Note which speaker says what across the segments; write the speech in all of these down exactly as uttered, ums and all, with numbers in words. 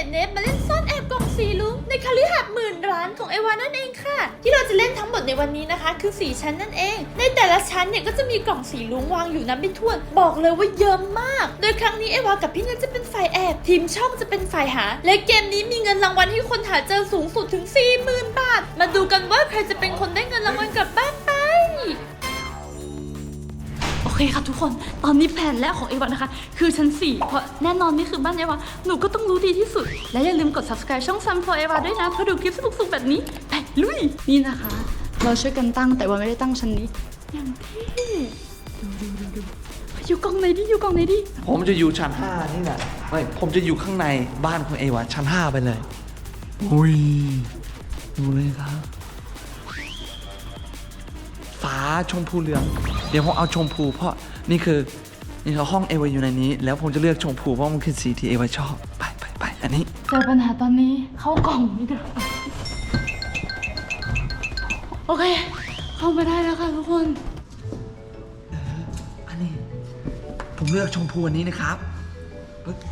Speaker 1: เนฟมาเล่นซ่อนแอบกล่องสีลุ้งในคฤหาสน์หมื่นร้านของเอวานั่นเองค่ะที่เราจะเล่นทั้งหมดในวันนี้นะคะคือสี่ชั้นนั่นเองในแต่ละชั้นเนี่ยก็จะมีกล่องสีลุ้งวางอยู่นับไม่ถ้วนบอกเลยว่าเยอะมากโดยครั้งนี้เอวากับพี่เนทจะเป็นฝ่ายแอบทีมช่องจะเป็นฝ่ายหาและเกมนี้มีเงินรางวัลให้คนหาเจอสูงสุดถึง สี่หมื่น บาทมาดูกันว่าใครจะเป็นคนได้เงินรางวัลกลับบ้านไปโอเคค่ะทุกคนตอนนี้แผนแรกของเอวานะคะคือชั้นสี่เพราะแน่นอนนี่คือบ้านเอวาหนูก็ต้องรู้ดีที่สุดและอย่าลืมกด ซับสไครบ์ ช่อง ซัม ฟอร์ เอวา ด้วยนะเพื่อดูคลิปสนุกๆแบบนี้ไปลุยนี่นะคะเราช่วยกันตั้งแต่ว่าไม่ได้ตั้งชั้นนี้อย่างที่ดูดูดูดูอยู่กล่องไหนดิอยู่กล่องไหนดิ
Speaker 2: ผมจะอยู่ชั้นห้านี่แหละไม่ผมจะอยู่ข้างในบ้านของเอวาชั้นห้าไปเลยอุ้ยดูเลยครับฟ้าชมพูเหลืองเดี๋ยวผมเอาชมพูเพราะนี่คือนี่คือห้องเอวาอยู่ในนี้แล้วผมจะเลือกชมพูเพราะมันคือสีที่เอวาชอบไปไปไปอันนี้
Speaker 1: เจอปัญหาตอนนี้เข้ากล่องนี่เด้อโอเคเข้ามาได้แล้วค่ะทุกคน
Speaker 2: อันนี้ผมเลือกชมพูอันนี้นะครับปึ๊บ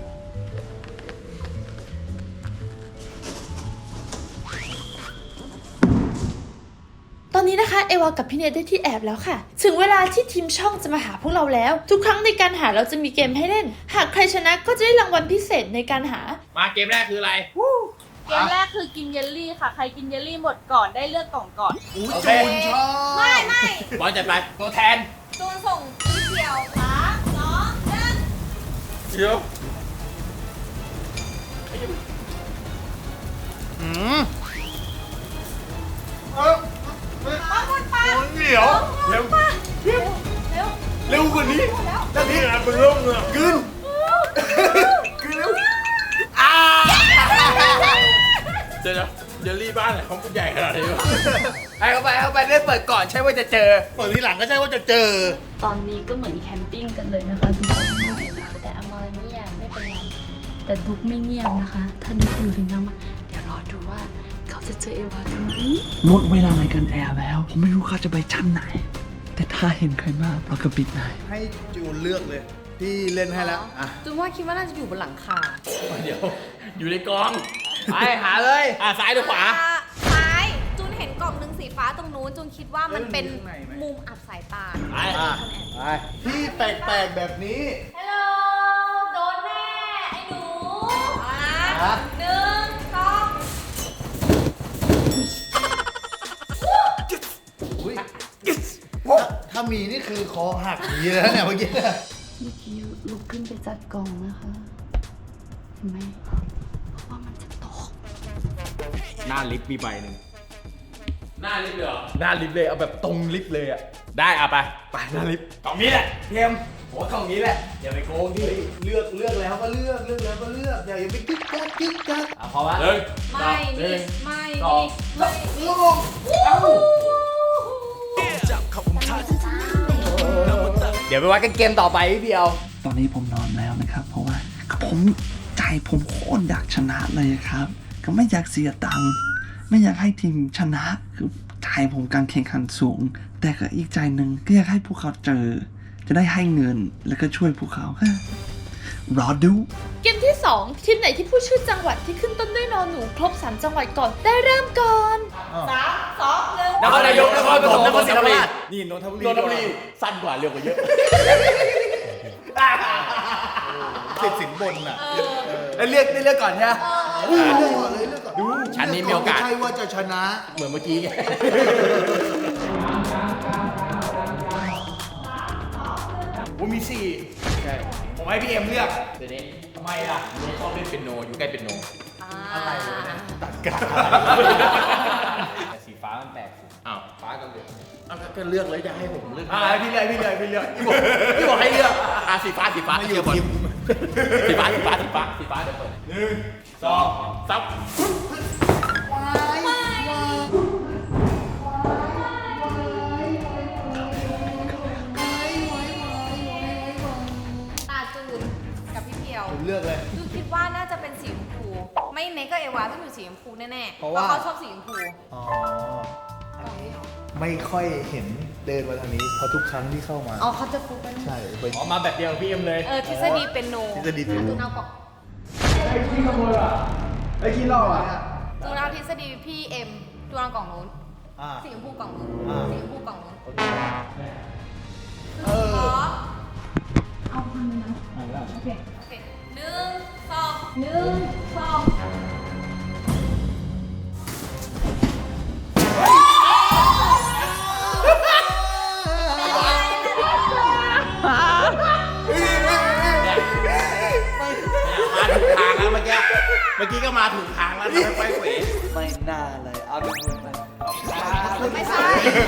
Speaker 1: ตอนนี้นะคะเอวากับพี่เนทได้ที่แอบแล้วค่ะถึงเวลาที่ทีมช่องจะมาหาพวกเราแล้วทุกครั้งในการหาเราจะมีเกมให้เล่นหากใครชนะก็จะได้รางวัลพิเศษในการหา
Speaker 3: มาเกมแรกคืออะไร
Speaker 4: เกมแรกคือกินเยลลี่ค่ะใครกินเยลลี่หมดก่อนได้เลือกกล่องก่อน
Speaker 3: โอเคชอบ
Speaker 4: ไม่ไม่
Speaker 3: บอลจัดไปตัวแทน
Speaker 4: จูนส่งสีเขียวสามสองหนึ่ง
Speaker 3: เขียวอืมเออ
Speaker 4: มาหมดปะ
Speaker 3: เหนียวเร็วเร็ว
Speaker 4: เร็ว
Speaker 3: เร็วกว่านี้ด้านนี้อ่ะเป็นเรื่องเลยกึนกึนเร็วอ่าเดี๋ยวเดี๋ยวรีบ้านไหนของผู้ใหญ่ขนาดนี้วะให้เข้าไปเข้าไปได้เปิดก่อนใช่ว่าจะเจอเปิดทีหลังก็ใช่ว่าจะเจอ
Speaker 1: ตอนนี้ก็เหมือนแคมปิ้งกันเลยนะคะทุกคนแต่อมรเงียบไม่เป็นไรแต่ดุกไม่เงียบนะคะถ้าดุกอยู่ถึงน้ำมาเดี๋ยวรอดูว่าเขาจะเจอเอวากันไหม
Speaker 2: หมดเวลาในการแอบแล้วผมไม่รู้เขาจะไปชั้นไหนแต่ถ้าเห็นใครมากเราก็ปิดไหน
Speaker 3: ให้จูนเลือกเลยพี่เล่นให้แล้วอ่ะ
Speaker 4: จูนว่าคิดว่าน่าจะอยู่บนหลังคา
Speaker 3: เดี๋ยวอยู่ในกองไปหาเลยอ่ะซ้ายหรือขวา
Speaker 4: ซ้ายจูนเห็นกล่องหนึ่งสีฟ้าตรงนู้นจูนคิดว่ามันเป็นมุมอับสายตา
Speaker 3: ไปไปที่แปลกๆแบบนี้
Speaker 4: ฮัลโหลโดนแน่ไอ้หนูนะหนึ่งสอง
Speaker 3: ถ้ามีนี่คือคอหักอย่างนี้แล้วเนี่ยเมื่อกี้
Speaker 1: เมื่อกี้ลุกขึ้นไปจัดกล่องนะคะเห็นไหมเพราะว่ามันจะตก
Speaker 3: หน้าลิฟต์มีใบหนึ่งหน้าลิฟต์เลยเหรอหน้าลิฟต์เลยเอาแบบตรงลิฟต์เลยอ่ะได้เอาไปไปหน้าลิฟต์กล่องนี้แหละเทมโหกล่องนี้แหละอย่าไปโกงที่เลือกเลือกแล้วก็เลือกเลือกแล้วก็เลือกอย่าอย่าไปกิ๊กกักกิ๊กกักอ่ะพอวะเลย
Speaker 4: ไม่นี่ไม่
Speaker 3: นี่ลงเอ้าเดี๋ยวไปวัดกันเกมต่อไปพี่เดียว
Speaker 2: ตอนนี้ผมนอนแล้วนะครับเพราะว่าผมใจผมโคตรอยากชนะเลยครับก็ไม่อยากเสียตังค์ไม่อยากให้ทีมชนะคือใจผมการแข่งขันสูงแต่ก็อีกใจหนึ่งก็อยากให้พวกเขาเจอจะได้ให้เงินแล้วก็ช่วยพวกเขารอดู
Speaker 1: เกมที่สองทีมไหนที่พูดชื่อจังหวัดที่ขึ้นต้นด้วยนอหนูครบสามจังหวัดก่อนได้เริ่มก่อน
Speaker 4: สามสองหนึ่ง
Speaker 3: นครนายกนครปฐมนครศรีธรรมราชนี่นนทบุรีนนทบุรีสั้นกว่าเร็วกว่าเยอะติดสินบนอ่ะได้เลือกได้เลือกก่อนใช่ไหมเลือกก่อนเลยเลือกก่อนดูชั้นนี้มีโอกาสไม่ใช่ว่าจะชนะเหมือนเมื่อกี้ไงว่ามีสี่ใช่ผมให้พี่เอ็มเลือกเดี๋ยวนี้ทำไมล่ะชอบเล่นเปียโนอยู่ใกล้เปียโนอะไรเนี่ยตัดกาแต่สีฟ้ามันแปลกอ้าวฟ้าก็เลือกอ้าวก็เลือกเลยจะให้ผมเลือกอ่าพี่เลือกพี่เลือกพี่เลือกพี่บอกพี่บอกให้เลือกอ่าสีฟ้าสีฟ้าไม่อยู่ทีมสีฟ้าสีฟ้าสีฟ้าสีฟ้าเดี๋ยวเปิดหนึ่งสองสามผมเลือกเลย
Speaker 4: จูคิดว่าน่าจะเป็นสีชมพูไม่เนก็เอวาต้องอยู่สีชมพูแน่ๆเพราะว่าเขาชอบสีชมพู
Speaker 3: อ๋อไม่ค่อยเห็นเดินมาทางนี้เพราะทุกครั้งที่เข้ามา
Speaker 4: อ๋อเขาจะฟุกกัน
Speaker 3: ใช่อ๋อมาแบบเดียวพี่เอ็มเลย
Speaker 4: เออทฤษฎีเป็นโน
Speaker 3: ทฤษฎีเป็นโน
Speaker 4: เอาก่อน
Speaker 3: ขโมยว่ะไอ้ขี้ล่ออ่ะ
Speaker 4: จูนเอาทฤษฎีพี่เอ็มจูนเอากล่องนู้น
Speaker 3: อ่า
Speaker 4: สีชมพูกล่องนู้น
Speaker 3: อ่า
Speaker 4: สีชมพูกล่องนู้น
Speaker 3: เออ
Speaker 4: ขอเอาพันนึงนะโอเคโอเคหนึ่งสองหนึ่งสอง
Speaker 3: มาถูกทางแล้วเมื่อกี้ เมื่อกี้ก็มาถูกทางแล้วทำให้ไฟเขว
Speaker 2: ไม่น่าเลย เอาเป็นมือไป
Speaker 4: ไม่ใช่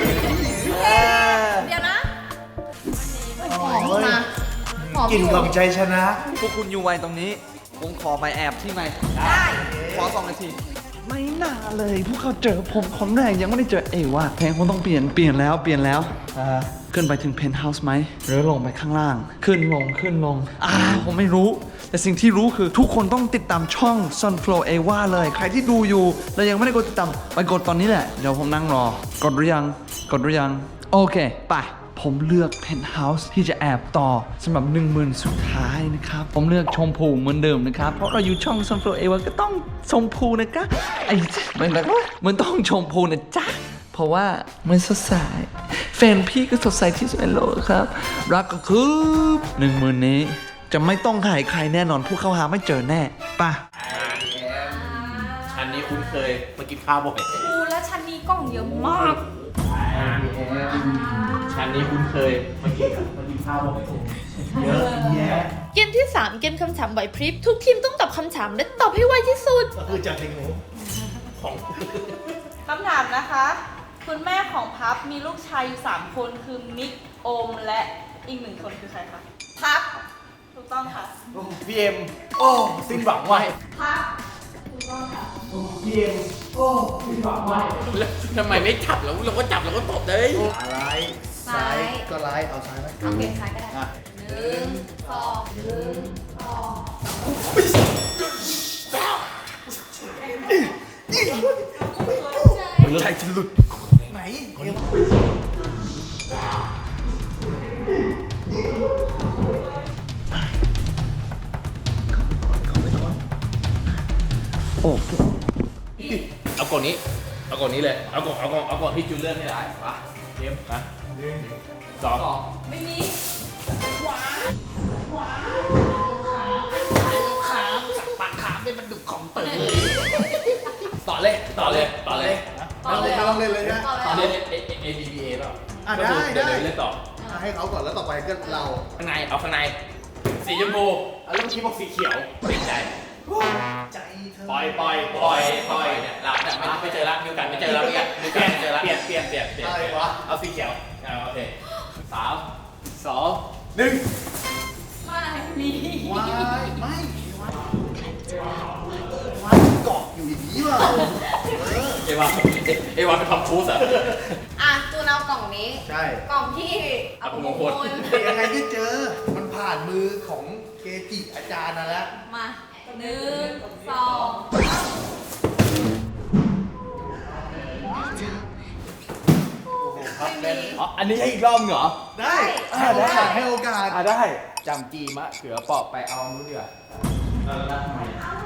Speaker 4: เดี๋ยวนะหอมมาหอม
Speaker 3: กลิ่นของใจชนะ
Speaker 2: พวกคุณอยู่ไว้ตรงนี้ ผมขอไปแอบที่ไหม
Speaker 4: ได้
Speaker 2: ขอสองนาที ไม่น่าเลย พวกเขาเจอผมคนแรกยังไม่ได้เจอเอว่าเพลงคงต้องเปลี่ยน เปลี่ยนแล้ว เปลี่ยนแล้ว ขึ้นไปถึงเพนท์เฮาส์ไหม หรือลงไปข้างล่าง ขึ้นลง ขึ้นลง อ่า ผมไม่รู้ แต่สิ่งที่รู้คือทุกคนต้องติดตามช่อง Sunflow Ava เลย ใครที่ดูอยู่ แล้วยังไม่ได้กดติดตาม ไปกดตอนนี้แหละ เดี๋ยวผมนั่งรอ กดหรือยัง กดหรือยัง โอเค ไป ผมเลือกเพนท์เฮาส์ที่จะแอบต่อสำหรับหนึ่งหมื่นสุดท้ายนะครับ ผมเลือกชมพูเหมือนเดิมนะครับ เพราะเราอยู่ช่อง Sunflow Ava ก็ต้องชมพูนะครับไอ้มันแบบว่ามันต้องชมพูนะจ๊ะ เพราะว่ามันสดใสแฟนพี่ก็สดใสที่สุดในโลกครับ รักก็คือหนึ่งหมื่นนี้ จะไม่ต้องหายใครแน่นอนพวกเขาหาไม่เจอแน่ป่ะ
Speaker 3: ชั้นนี้คุ้นเคยมากินข้าวบ่อย
Speaker 4: อูแล้วชั้นนี้กล่องเยอะมาก
Speaker 3: ชั้นนี้คุ้นเคยมากินมากินข้าวบ่อยเยอะแยะ
Speaker 1: เกมที่ สาม เกมคำถามไหวพริบ ทุกทีมต้องตอบคำถามและตอบให้ไวที่สุด
Speaker 3: ก็คือจากเพลงหนูของ
Speaker 5: คำถามนะคะ คุณแม่ของพับมีลูกชายอยู่สามคนคือมิกโอมและอีกหนึ่งคนคือใครคะพับถูกต้องค่ะ
Speaker 3: พี่เอ็มโอ้สิ้นหวังไว้
Speaker 5: พับถูกต้องค่ะ
Speaker 3: พี่เอ็มโอ้สิ้นหวังไว้แล้วทำไมไม่จับแล้วเราก็จับเราก็ตบเลย
Speaker 6: อะไร
Speaker 4: ซ้าย
Speaker 6: ก็ไลฟ์เอาซ้ายไหม
Speaker 4: เอาเปลี่ยนซ้ายก็ได้หนึ่งสองหนึ่งสอง
Speaker 3: ใจจะหลุด
Speaker 6: ไหน
Speaker 2: โอ้
Speaker 3: เอากล่องนี้ เอากล่องนี้เลย เอากล่องเอากล่องเอากล่องที่จูเลือกให้ได้มาเอ็มมาหนึ่งสอง
Speaker 5: ไม่มี
Speaker 3: ต่อเลย ต่อเลย ต่อเลย
Speaker 4: ต่อเลย
Speaker 6: ไม่ต้องเล่นเลยนะ
Speaker 4: ต่อ
Speaker 3: ต่อ
Speaker 4: เล
Speaker 3: เลย ย A A B B A เปล่า
Speaker 6: อ่ะได้ได้
Speaker 3: เยวเล่นต่อ
Speaker 6: อ่ะให้เขาก่อนแล้วต่อไปก็เรา
Speaker 3: ข้างใน เอาข้างใน สีชมพูแล้วเมื่อกี้บอกสีเขียวเปลี่ยนใจ
Speaker 6: ใจเธอ
Speaker 3: ปล่อยปล่อยปล่อยปล่อยเนี่ยเราเนี่ยไม่ไม่เจอละมีโอกาสไม่เจอละเนี่ยมีโอกาสไม่เจอละเปลี่ยนเปลี่ยนเปลี่ยนเปลี่ยน
Speaker 6: อะไรวะ
Speaker 3: เอาสีเขียวเอาโอเคสามสองหนึ่ง
Speaker 5: ไม่มี
Speaker 6: วายไม่วายเกาะอยู่อย่างนี้เปล่า
Speaker 3: เอวาเอวาเป็นทอมครูซเหรอ
Speaker 4: อ่ะจูนเอากล่องนี้
Speaker 6: ใช่
Speaker 4: กล่องที่
Speaker 3: อัปมงคล
Speaker 6: ยังไงก็เจอ มันผ่านมือของเกจิอาจารย์นะแล้ว
Speaker 4: มาหนึ่งสอง ไม่มี
Speaker 3: อ๋ออันนี้ให้อีกรอบเหรอ
Speaker 6: ได้ให้โอกาสให้โอกาส
Speaker 3: อ่ะได้จำจีมะเขือปอกไปเอานู้นดีกว่าเออแล้วทำไม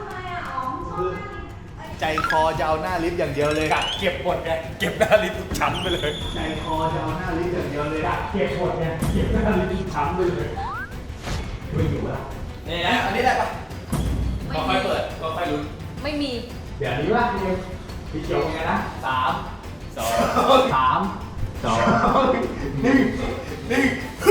Speaker 6: ใจคอจะเอาหน้าลิฟต์อย่างเดียวเลย
Speaker 3: กัดเก็บหมดไงเก็บหน้าลิ้นทุกชั้นไปเลย
Speaker 6: ใจคอจะเอาหน้าลิฟต์อย่างเดียวเลย
Speaker 3: เก็บหมดไงเก็บหน้าลิ้นทุกชั้นไปเลยไม่อยู่ละนี่นะอันนี้ได้ปะก็ค่อยเปิดก็ค่อยลุ้น
Speaker 4: ไม่มี
Speaker 3: เดี๋ยวนี้ว่าพี่พี่เขียวไงนะสามสองสามสองหนึ่งหนึ่ง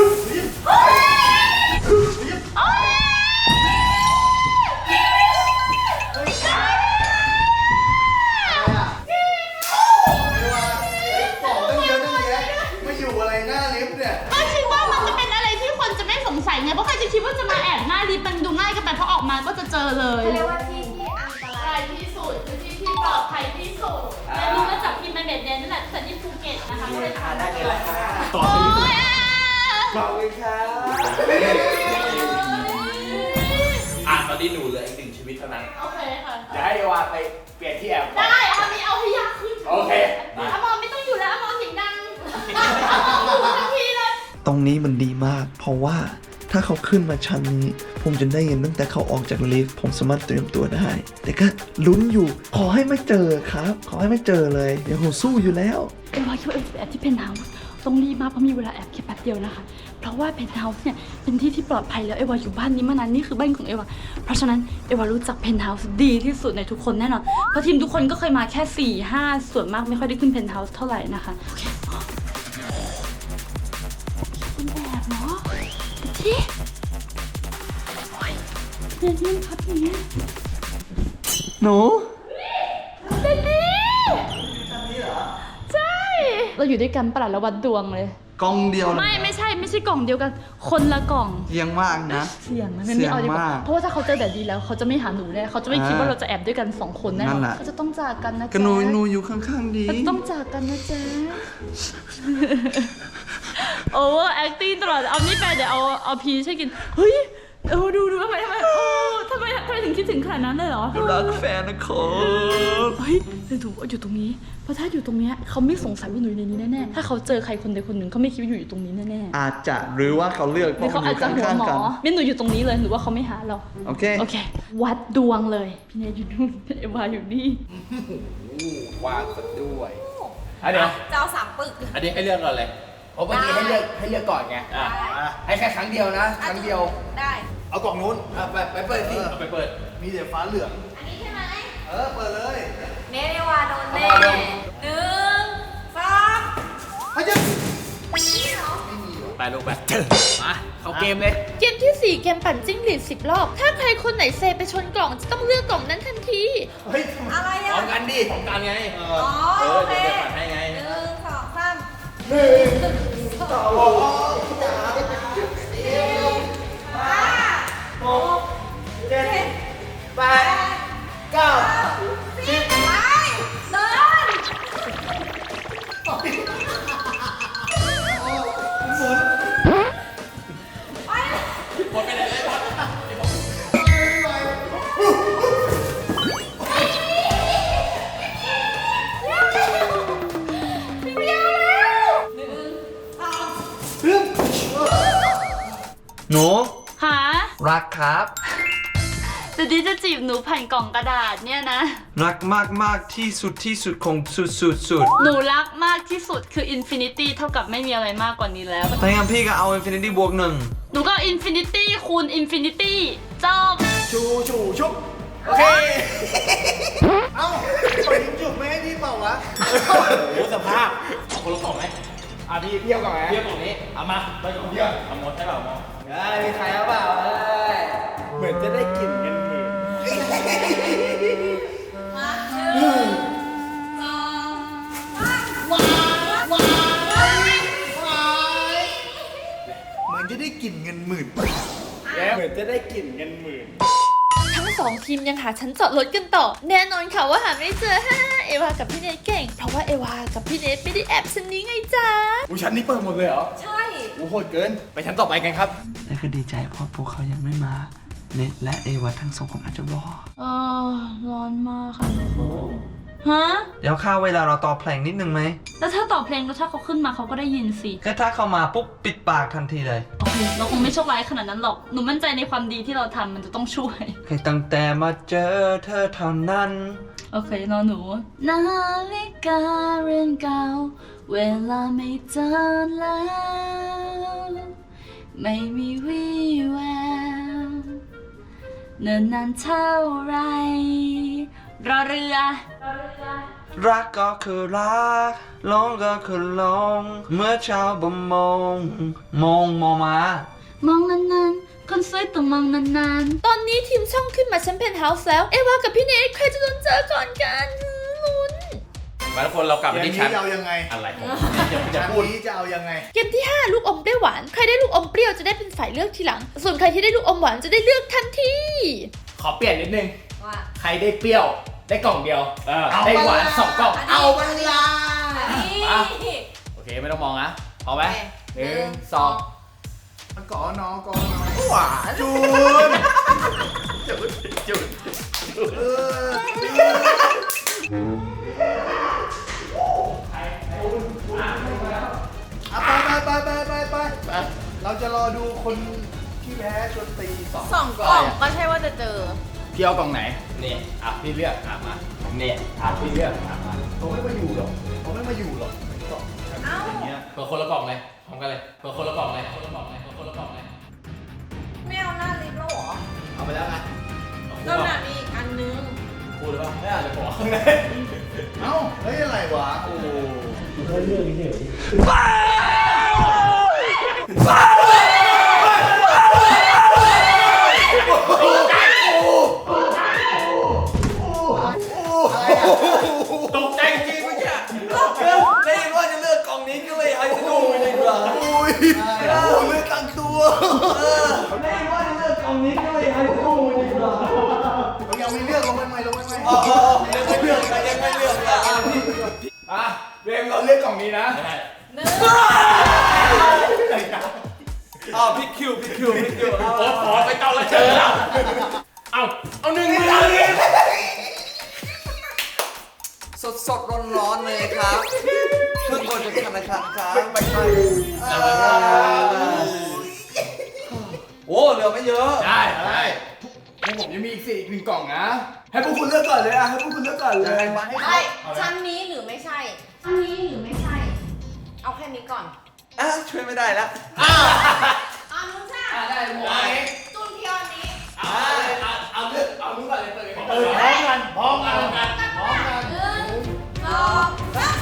Speaker 6: กล่องตั้งเยอะตั้งแยะไม่อยู่อะไรหน้าลิฟต์เนี่ย
Speaker 1: ก็คิดว่ามันจะเป็นอะไรที่คนจะไม่สงสัยไง เพราะใครจะคิดว่าจะมาแอบหน้าลิฟต์มันดูง่ายเกันไปเพราะออกมาก็จะเจอเลย
Speaker 4: เรียกว่าที่ที่อันตราย
Speaker 1: ที่สุดคือที่ที่ปลอดภัยที่สุดและรู้มาจากพิมพ์ในเบ็ดเดนนั่นแหละแต่ที่ภูเก็ตนะคะก็เลยถามได้เลยค่ะโอ้ยอ่ะ
Speaker 6: ขอบคุณครับ
Speaker 3: อ่ะตอนนี้หนูเหลืออีกหนึ่งชีวิตเท่านั้น
Speaker 1: โอเคค่ะ
Speaker 3: จะให้เอวาไปเปลี่ยนที่แอบก่อน
Speaker 1: ได้เอามีเอาให้ยากขึ้น
Speaker 3: โอเค
Speaker 1: อมรไม่ต้องอยู่แล้วอมรเสียงดังอมรอยู่ทันทีเลย
Speaker 2: ตรงนี้มันดีมาก เพราะว่าถ้าเขาขึ้นมาชั้นนี้ ผมจะได้ยินตั้งแต่เขาออกจากลิฟต์ผมสามารถเตรียมตัวได้ แต่ก็ลุ้นอยู่ ขอให้ไม่เจอครับ ขอให้ไม่เจอเลยเดี๋ยวผมสู้อยู่แล้ว
Speaker 4: เอวาคิดว่าเอวาจะแอบที่เพนท์เฮาส์ต้องรีบมากเพราะมีเวลาแอบแค่แป๊บเดียวนะคะ เพราะว่าเพนท์เฮาส์เนี่ยเป็นที่ที่ปลอดภัยแล้วเอวาอยู่บ้านนี้มานานนี่คือบ้านของเอวาเพราะฉะนั้นเอวารู้จักเพนท์เฮาส์ดีที่สุดในทุกคนแน่นอนเพราะทีมทุกคนก็เคยมาแค่สี่ห้าส่วนมากไม่ค่อยได้ขึ้นเพนท์เฮาส์เท่าไหร่นะคะโอเคคุณแอบเนาะที่โอ้ยเรียนยิ่งพับอย่างเงี้ย
Speaker 2: หนู
Speaker 4: ใช่เราอยู่ด้วยกันประหลาดและวัดดวงเลย
Speaker 2: กล้องเดียวนะ
Speaker 4: ไม่ไม่ใช่ไม่ใช่กล่องเดียวกัน คนละกล่อง
Speaker 2: เสียงมากนะ
Speaker 4: เสี่ยงนะไม่เอาดีกว่า
Speaker 2: เสี่ยงมาก
Speaker 4: เพราะว่าถ้าเขาเจอแบบนี้แล้วเขาจะไม่หาหนูแน่เขาจะไม่คิดว่าเราจะแอบด้วยกันสองคนแน่น
Speaker 2: นั่
Speaker 4: อน
Speaker 2: นแหละ
Speaker 4: เขาจะต้องจากกันนะ
Speaker 2: ก็
Speaker 4: จ๊ะ
Speaker 2: หนูหนูอยู่ข้างๆดี
Speaker 4: เราจะต้องจากกันนะจ๊ะ โอเวอร์แอคติ้งตลอดเอานี่ไปเดี๋ยวเอาเอาพีใช่กินเฮ้ยเออดูดูทำไมทำไมโอ้ทำไมทำไมถึงคิดถึงขนาดนั้นเลยเหรอ
Speaker 2: รักแฟนนะครับ
Speaker 4: เฮ้ยเดี๋ยวดูอยู่ตรงนี้เพราะถ้าอยู่ตรงเนี้ยเขาไม่สงสัยว่าหนูอยู่ในนี้แน่ๆถ้าเขาเจอใครคนใดคนหนึ่งเขาไม่คิดว่าอยู่อยู่ตรงนี้แน่ๆ
Speaker 2: อาจจะหรือว่าเขาเลือกเพ
Speaker 4: หรือ
Speaker 2: ราะ
Speaker 4: เขา
Speaker 2: มันอ
Speaker 4: อาจ
Speaker 2: ยู่
Speaker 4: จะหัว
Speaker 2: ข้าง
Speaker 4: หมอ
Speaker 2: ๆกัน
Speaker 4: ไม่หนูอยู่ตรงนี้เลยหนูว่าเขาไม่หาเรา
Speaker 2: โอเค
Speaker 4: โอเค วัดดวงเลย พี่เนยอยู่นู่นเอวาอยู่นี่
Speaker 3: วางซะด้วยอันเดี๋ยว
Speaker 5: จะเอาสามปึก
Speaker 3: อันนี้ให้เลือกก่อนเลยเพราะเมื่อกี้ให้เลือกให้เลือกก่อนไงอ่ะอ่ะให้แค่ครั้งเดียวนะ ครั้งเดียว
Speaker 5: ได้
Speaker 6: เอากล่องนู้น
Speaker 3: อ่ะไปไปเปิดสิเอาไปเปิด
Speaker 6: มีแต่ฟ้าเหลือง
Speaker 5: อันนี้ใช่ไหม
Speaker 6: เออ เปิดเลย
Speaker 5: เนเนวาโดนแน่
Speaker 3: เอามาโดน
Speaker 5: หนึ่งสอง
Speaker 6: เฮ้ยเจะ
Speaker 3: ไปลูกไปมาเข้าเกมเลย
Speaker 1: เกมที่สี่เกมปั่นจิ้งหรีดสิบรอบ ถ้าใครคนไหนเซไปชนกล่องจะต้องเลือกกล่องนั้นทันที
Speaker 6: เฮ้ย
Speaker 5: อะไร
Speaker 3: พ
Speaker 5: อ่ะ
Speaker 3: ร้อมกันดิพร้อมกันไง
Speaker 5: อ๋อ
Speaker 3: เออ
Speaker 5: โอเค
Speaker 3: เดี๋ยวเดี๋ยวปัดให้ไง
Speaker 5: หนึ่งสองสาม
Speaker 6: หนึ่งสองสามสี่ห้าหกเจ็ดแปดเก้า
Speaker 5: สิบไปเดิน
Speaker 3: หมดไปเลยหมด
Speaker 2: หนู
Speaker 4: หา
Speaker 2: รักครับ
Speaker 4: เดี๋ยวนี้จะจีบหนูผ่านกล่องกระดาษเนี่ยนะ
Speaker 2: รักมากมากๆที่สุดที่สุดของสุดสุดสุด
Speaker 4: หนูรักมากที่สุดคืออินฟินิตี้เท่ากับไม่มีอะไรมากกว่านี้แล้ว
Speaker 2: ถ้างั้นพี่ก็เอา Infinity บวกหนึ่ง
Speaker 4: หนูก็อินฟินิตี้คูณอินฟินิตี้จบ
Speaker 6: ชูชูชุบ โอเค เอ้าปล่อยยิงจุบไม่ให้พี่เปล่าวะ
Speaker 3: โอ้โหสภาพเอาคนละกล่องไหม
Speaker 6: อ่ะพี่เที่ยวก่อนไหม
Speaker 3: เทียบกล่องนี้เอามาไปกล่องเดียวเอาหมดให้เปล่าหมด
Speaker 6: เอ้ยมีใครเอาเปล่าเอ้ยเหมือนจะได้กลิ่นเงินหมื่น
Speaker 5: มาหนึ่งสองสามว้าวว้าว
Speaker 6: เหมือนจะได้กลิ่นเงินหมื่นเหมือนจะได้กลิ่นเงินหมื่น
Speaker 1: ทั้งสองทีมยังหาชั้นจอดรถกันต่อ แน่นอนค่ะว่าหาไม่เจอ ฮ่าเอวากับพี่เนทเก่ง เพราะว่าเอวากับพี่เนทไม่ได้แอบชั้นนี้ไงจ๊ะ
Speaker 3: อุ้ยชั้นนี้เปิดหมดเลยเหรอ
Speaker 5: ใช่
Speaker 3: อู้โหดเกิน ไปชั้นต่อไปกันครับ
Speaker 2: แต่ก็ดีใจเพราะพวกเขายังไม่มา เน็ตและเอวาทั้งสองคนอาจจะรอ
Speaker 4: เออร้อนมากค่ะทุกคนฮะ
Speaker 2: เดี๋ยวข้าวเวลาเราต่อเพลงนิดนึงไหม
Speaker 4: แล้วถ้าต่อเพลงแล้วถ้าเขาขึ้นมาเขาก็ได้ยินสิ
Speaker 2: แค่ถ้าเข้ามาปุ๊บปิดปากทันทีเลย
Speaker 4: โอเค เราคงไม่โชคร้ายขนาดนั้นหรอก หนูมั่นใจในความดีที่เราทำมันจะต้องช่วย
Speaker 2: แค่ตั้งแต่มาเจอเธอเท่านั้น
Speaker 4: โอเคนอนหนู นาฬิกาเรือนเก่า เวลาไม่เจอแล้ว ไม่มีวี่แววเนิ่นนานเท่าไรรอเรือรอเรือ
Speaker 2: รักก็คือรักหลงก็คือหลงเมื่อเช้าบ่มองมองมองมา
Speaker 4: มองนานๆ คนสวยต้องมองนาน
Speaker 1: ตอนนี้ทีมช่องขึ้นมาชั้นเพนท์เฮาส์แล้ว เอวากับพี่เนทใครจะโดนเจอก่อนกันลุ้น
Speaker 3: มาทุกคนเรากลับ
Speaker 6: เก
Speaker 3: มาม ที่
Speaker 6: นี้
Speaker 3: ชั้น
Speaker 6: จะเอายังไง
Speaker 3: อะไรของพี่จะจะ
Speaker 6: ชั้น
Speaker 3: พูด
Speaker 6: นี้จะเอายังไง
Speaker 1: เกมที่ห้าลูกอมเปรี้ยวหวาน ใครได้ลูกอมเปรี้ยวจะได้เป็นฝ่ายเลือกทีหลัง ส่วนใครที่ได้ลูกอมหวานจะได้เลือกทันที
Speaker 3: ขอเปลี่ยนนิดนึง
Speaker 5: ว่า
Speaker 3: ใครได้เปรี้ยว ได้กล่องเดียว ได้หวานสองกล่อง
Speaker 6: เอาบัลลา
Speaker 5: อันนี้
Speaker 3: มา โอเคไม่ต้องมองนะพอไหมหนึ่งสอง
Speaker 6: ก่อนน้องก่อนน้องหวานจูน
Speaker 3: จุดจุด
Speaker 6: เอออ่ะไปไปไปไปไปไปเราจะรอดูคนที่พ้ชวนตีสอง
Speaker 5: สองกล่องก็ใช่ว่าจะเจอ
Speaker 3: พี่เอากล่องไหนเนี่ยอ่ะพี่เลือกอ่ะมาเนี่ยอ่ะพี่เลือกอ่ะมา
Speaker 6: เขาไม่มาอยู่หรอกเขาไม่มาอยู่หรอกสอง
Speaker 5: เอ้า
Speaker 6: อย่างเงี้ย
Speaker 3: เปิดคนละกล่องเลยพร้อมกันเลยเปิดคนละกล่องเลยคนละกล่องเลยคนละกล่องเลย
Speaker 5: ไม่เอาหน้าลิฟต์แล้วเหรอ
Speaker 3: เอาไปแล้วไง
Speaker 5: เริ่มหนามีอีกอันนึง
Speaker 3: พูดหรือเปล่าไม่อาจจะบอกข้างใน
Speaker 6: เอ้าเฮ้ยอะไรวะโอ้โห
Speaker 3: ตกใจจริงเมื่อกี้ได้ยินว่าจะเลือกกล่องนี้ก็เลยให้จะดูไปดีกว่า
Speaker 6: อุ้ยเลือกตั้งตัว
Speaker 3: ได้ยินว่าจะเลือกกล่องนี้ก็เลยให้จะดูไปดีกว่า
Speaker 6: เรายังไม่เลือกลงไปใหม่ลงไปใหม่
Speaker 3: อ๋อยังไม่เลือกยังไม่เลือกอ่ะเรมเราเลือกกล่องนี้นะ
Speaker 5: หนึ่ง
Speaker 3: อ้าวพี่คิวพี่คิวพี่คิวโอ้ขอไปเจ้าละเจอแล้วเอาเอาหนึ่งมือเลย
Speaker 7: สดสดร้อนร้อนๆเลยครับเพิ่งโอนจากธนาคารครับ
Speaker 6: ไม่ใช่
Speaker 7: โอ้เหลือไม่เยอะ
Speaker 3: ได้ได้พวกผมยังมีอีกสี่อีกหนึ่งกล่องนะ ให้พวกคุณเลือกก่อนเลยอ่ะให้พวกคุณเลือกก่อนเลย
Speaker 5: ใช่ชั้นนี้หรือไม่ใช่ชั้นนี้หรือไม่ใช่ เอาแค่นี้ก่อน
Speaker 7: อ่ะช่วยไม่ได้แล้ว
Speaker 3: อ้าว
Speaker 5: เอานู้นใช่
Speaker 3: ได้หมดเลย
Speaker 5: จุนเพียวอันนี้
Speaker 3: เอาเอาเอาเลือกเอานู้นก่อนเลยเตย
Speaker 6: เออพร้อมกันพร้อมกัน
Speaker 5: พร้อมกันหนึ่งสองสาม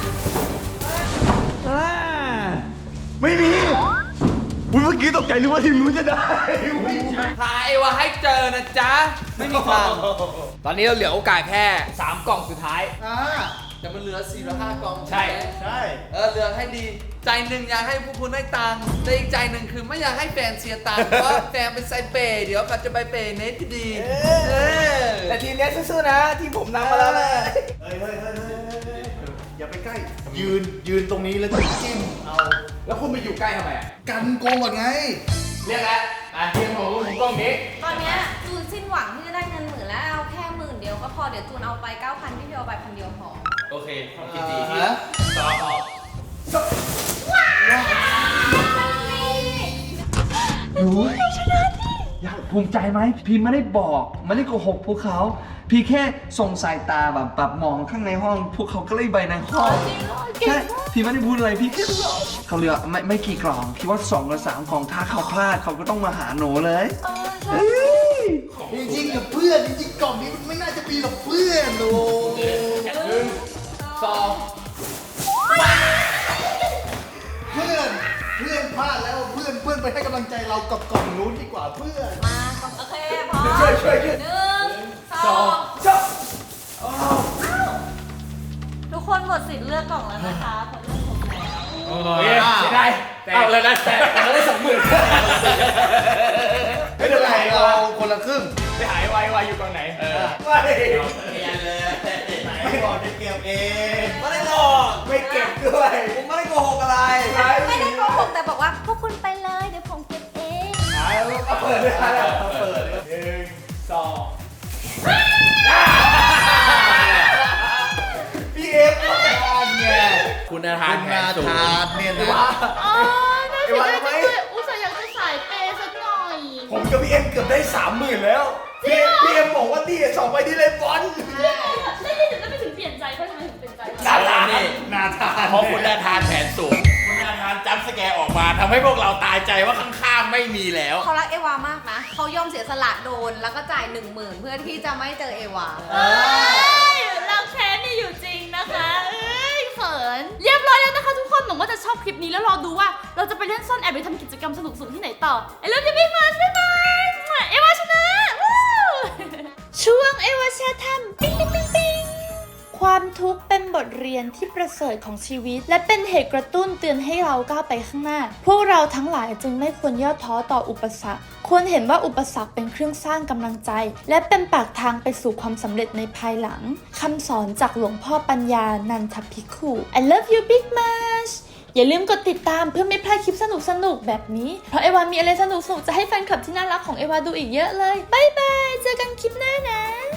Speaker 6: ไม่มีอุ้ยเมื่อกี้ตกใจนึกว่าทีมนู้นจะได้
Speaker 7: หาเอวาให้เจอนะจ๊ะ ไม่มีทาง
Speaker 3: ตอนนี้เราเหลือโอกาสแค่สามกล่องสุดท้าย
Speaker 6: อ่า
Speaker 7: แต่มันเหลือสี่หรือห้ากล่อง
Speaker 3: ใช่
Speaker 7: ไหม
Speaker 6: ใช่
Speaker 7: เออเหลือให้ดี ใจหนึ่งอยากให้พวกคุณได้ตังค์แต่อีกใจหนึ่งคือไม่อยากให้แฟนเสียตังค์เพราะแฟนเป็นไซเปย์เดี๋ยวก็จะไปเปย์เนทดีเออ
Speaker 3: แต่ทีมนี้สู้ๆนะทีมผมนำมาแล้วนะ
Speaker 6: เฮ้ยเฮ้ยเฮ้ยเฮ้ยเฮ้ยอย่าไปใกล้ ยืนยืนตรงนี้แล้วก็จิ้มเอา
Speaker 3: แล้วคุณไปอยู่ใกล้ทำไมอ่ะ
Speaker 6: กันโกงก่อนไง
Speaker 3: เรียกแล้วอ่ะทีมของผมกล้องนี้
Speaker 5: ตอนเนี้ยจูนสิ้นหวังที่จะได้เงินหมื่นแล้วเอาแค่หมื่นเดียวก็พอเดี๋ยวจูนเอาไปเก้าพันพี่เพียวเอาไปพันเดียวพอ
Speaker 3: โอเคความคิดดีที่ต่อต่อ
Speaker 2: อยากภูมิใจไหมพี่ไม่ได้บอกไม่ได้โกหกพวกเขา พี่แค่ส่งสายตาแบบแบบมองข้างในห้อง พวกเขาก็เลยไปในห้องใช่พี่ไม่ได้พูดอะไรพี่แค่เขาเหลือไม่ไม่กี่กล่องคิดว่าสองหรือสามกล่องถ้าเขาพลาดเขาก็ต้องมาหาหนูเลยเฮ้ย
Speaker 6: จริงๆกับเพื่อนจริงๆกล่องนี้มันไม่น่าจะมีหรอกเพื่อนโอ้
Speaker 3: หนึ่งสอง
Speaker 6: เพื่อนเพื่อนพลาดแล้วเพื่อนเพื่อนไปให้กำลังใจเรากับกล่องนู้นดีกว่าเพื่อน
Speaker 5: มาโอเคพร้อม
Speaker 3: ช่วยช่วยช่วย
Speaker 5: หนึ่งสอง
Speaker 3: จบ
Speaker 5: ทุกคนหมดสิทธิ์เลือกกล่องแล้วนะคะผลเลือกผมแล้ว
Speaker 3: โอ้ยไม่ได้เอาเลยนะแต่เราได้สองหมื่น
Speaker 6: ไม่เป็นไรเราคนละครึ่ง
Speaker 3: ไปหายไวไวอยู่ตรงไหนเออ
Speaker 6: ไม่
Speaker 3: เรียนเลย
Speaker 6: ไม่บอกจะเก็บเอง
Speaker 7: ไม่ได้หลอก
Speaker 3: ไม่เก็บด้วย
Speaker 7: ผมไม่ได้โกหกอะไร
Speaker 5: ไม่ได้โกหกแต่บอกว่าพวกคุณไปเลยเดี๋ยวผมเก็บเอง
Speaker 3: เอาเปิดเลยนะเอาเปิดเลยหนึ่งสอง
Speaker 6: พี่เอฟก็ทานไง
Speaker 3: คุณอาทานแผนสูง
Speaker 6: ทานเนี่ยนะ
Speaker 1: อ๋อน่าเสียดายจังเลยอุตส่าห์อยากจะสายเปย์สักหน่อย
Speaker 3: ผมกับพี่เอ็มเกือบได้สามหมื่นแล้วพี่พี่เอ็มบอกว่านี่สองใบที่เลยบอล
Speaker 1: ได้ได้แล้วไม่ถึงเปลี่ยนใจเพราะทำไมถึงเปลี่ยนใจ
Speaker 3: นาทาน
Speaker 6: นาทาน
Speaker 3: เพราะคุณนาทานแผนสูงคุณนาทานจัมป์สแกร์ออกมาทำให้พวกเราตายใจว่าข้างๆไม่มีแล้ว
Speaker 5: เขารักเอวามากนะเขายอมเสียสละโดนแล้วก็จ่ายหนึ่งหมื่นเพื่อที่จะไม่เจอเอวา
Speaker 1: เอ้ยรักแท้นี่อยู่จริงนะคะเอ้ยเขินเรียบร้อยแล้วนะคะทุกคนหวังว่าจะชอบคลิปนี้แล้วรอดูว่าเราจะไปเล่นซ่อนแอบไปทำกิจกรรมสนุกๆที่ไหนต่อไอ้เลิฟยูบิ๊กมาบ๊ายบายเอวาชนะวู้ช่วงเอวาแชร์ทำปิ๊งปิ๊งปิ๊งปิ๊งความทุกข์เป็นบทเรียนที่ประเสริฐของชีวิต และเป็นเหตุกระตุ้นเตือนให้เราก้าวไปข้างหน้า พวกเราทั้งหลายจึงไม่ควรย่อท้อต่ออุปสรรค ควรเห็นว่าอุปสรรคเป็นเครื่องสร้างกำลังใจ และเป็นปากทางไปสู่ความสำเร็จในภายหลังคำสอนจากหลวงพ่อปัญญานันทภิกขุ I love you big much อย่าลืมกดติดตามเพื่อไม่พลาดคลิปสนุกๆแบบนี้ เพราะเอวามีอะไรสนุกๆจะให้แฟนคลับที่น่ารักของเอวาดูอีกเยอะเลยบ๊ายบายเจอกันคลิปหน้านะ